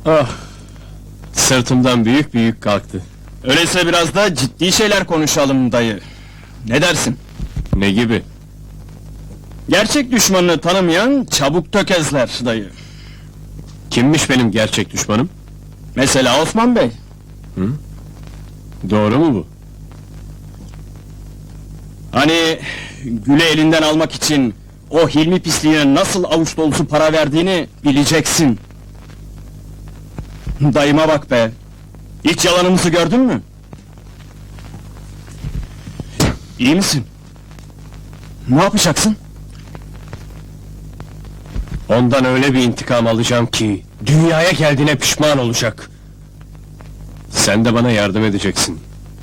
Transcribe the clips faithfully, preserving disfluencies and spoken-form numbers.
Ah! Sırtımdan büyük büyük kalktı. Öyleyse biraz da ciddi şeyler konuşalım dayı. Ne dersin? Ne gibi? Gerçek düşmanını tanımayan çabuk tökezler dayı. Kimmiş benim gerçek düşmanım? Mesela Osman Bey. Doğru mu bu? Hani Gül'ü elinden almak için o Hilmi pisliğine nasıl avuç dolusu para verdiğini bileceksin. Dayıma bak be! Hiç yalanımızı gördün mü? İyi misin? Ne yapacaksın? Ondan öyle bir intikam alacağım ki dünyaya geldiğine pişman olacak. Sen de bana yardım edeceksin.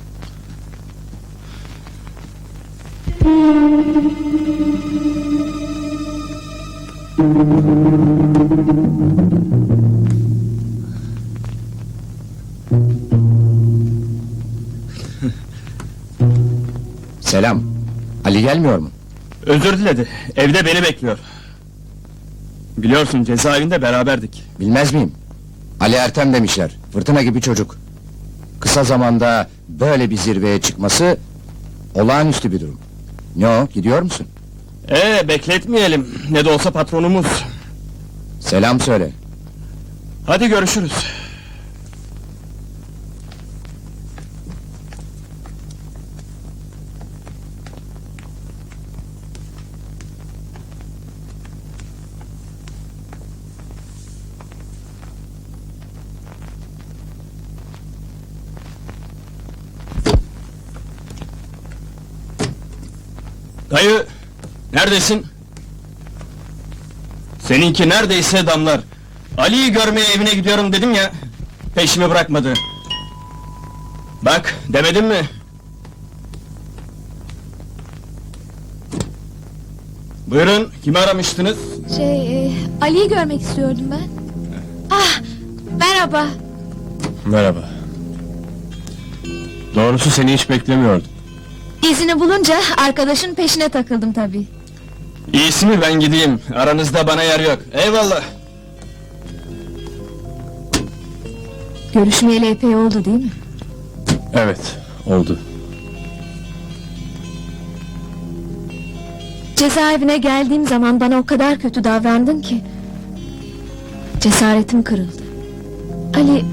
Selam. Ali gelmiyor mu? Özür diledi, evde beni bekliyor. Biliyorsun cezaevinde beraberdik. Bilmez miyim? Ali Ertem demişler. Fırtına gibi çocuk. Kısa zamanda böyle bir zirveye çıkması olağanüstü bir durum. Ne o? Gidiyor musun? Ee, bekletmeyelim, ne de olsa patronumuz. Selam söyle. Hadi görüşürüz. Dayı, neredesin? Seninki neredeyse damlar. Ali'yi görmeye evine gidiyorum dedim ya, peşimi bırakmadı. Bak, demedim mi? Buyurun, kimi aramıştınız? Şey, e, Ali'yi görmek istiyordum ben. Ah, merhaba. Merhaba. Doğrusu seni hiç beklemiyordum. İzini bulunca arkadaşın peşine takıldım tabii. İyisi mi ben gideyim, aranızda bana yer yok. Eyvallah. Görüşmeyeli epey oldu değil mi? Evet, oldu. Cezaevine geldiğim zaman bana o kadar kötü davrandın ki... cesaretim kırıldı. Ali...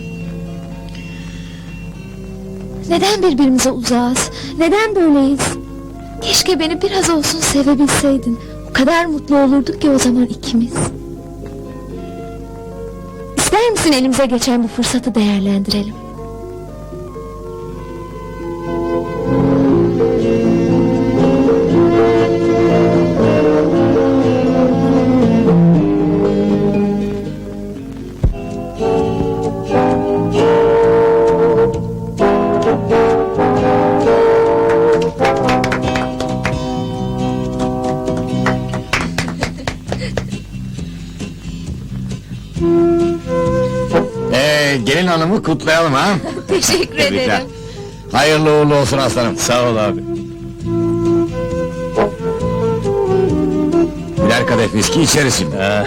Neden birbirimize uzağız? Neden böyleyiz? Keşke beni biraz olsun sevebilseydin. O kadar mutlu olurduk ki o zaman ikimiz. İster misin elimize geçen bu fırsatı değerlendirelim? Ee, gelin hanımı kutlayalım ha. Teşekkür Tebrikler. ederim. Hayırlı uğurlu olsun aslanım. Sağ ol abi. Birer kadeh viski içeriz şimdi. Ha.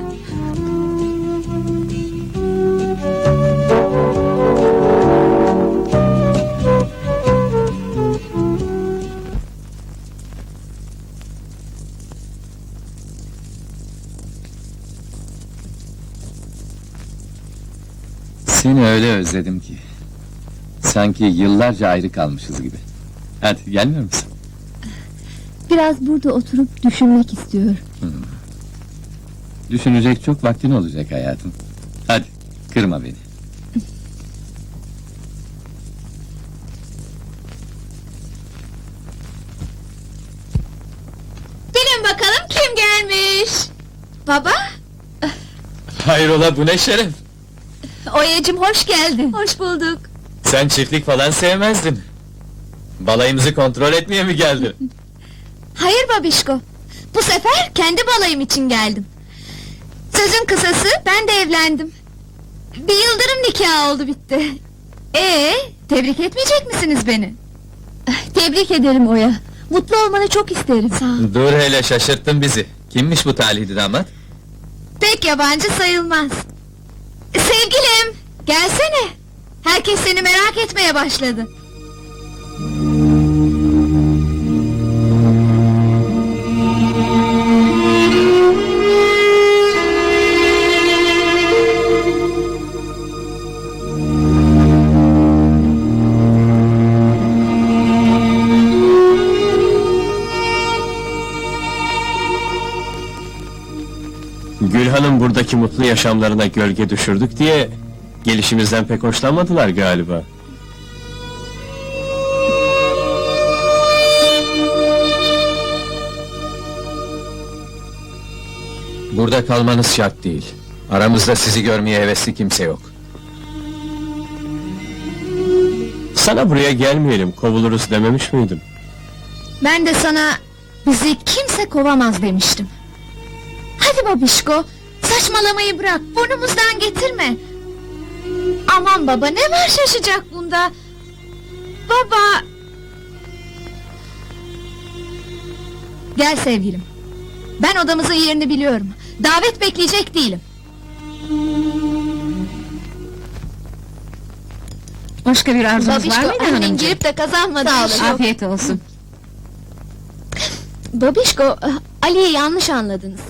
Seni öyle özledim ki. Sanki yıllarca ayrı kalmışız gibi. Hadi gelmiyor musun? Biraz burada oturup düşünmek istiyorum. Düşünecek çok vaktin olacak hayatım. Hadi kırma beni. Bilin bakalım kim gelmiş? Baba? Hayrola, bu ne şeref? Oya'cım hoş geldin. Hoş bulduk. Sen çiftlik falan sevmezdin. Balayımızı kontrol etmeye mi geldin? Hayır babişko. Bu sefer kendi balayım için geldim. Sözün kısası ben de evlendim. Bir yıldırım nikahı oldu bitti. Ee, tebrik etmeyecek misiniz beni? Tebrik ederim Oya. Mutlu olmanı çok isterim. Sağ ol. Dur hele, şaşırttın bizi. Kimmiş bu talihli damat? Pek yabancı sayılmaz. Sevim Gelsene. Herkes seni merak etmeye başladı. Gülhan'ın buradaki mutlu yaşamlarına gölge düşürdük diye gelişimizden pek hoşlanmadılar galiba. Burada kalmanız şart değil. Aramızda sizi görmeye hevesli kimse yok. Sana buraya gelmeyelim, kovuluruz dememiş miydim? Ben de sana bizi kimse kovamaz demiştim. Hadi babişko, saçmalamayı bırak, burnumuzdan getirme. Aman baba, ne var şaşacak bunda? Baba... Gel sevgilim. Ben odamızın yerini biliyorum. Davet bekleyecek değilim. Başka bir arzunuz var Babişko, mıydı annen hanımcığım? girip de kazanmadı. Afiyet olsun. Babişko, Ali'yi yanlış anladınız.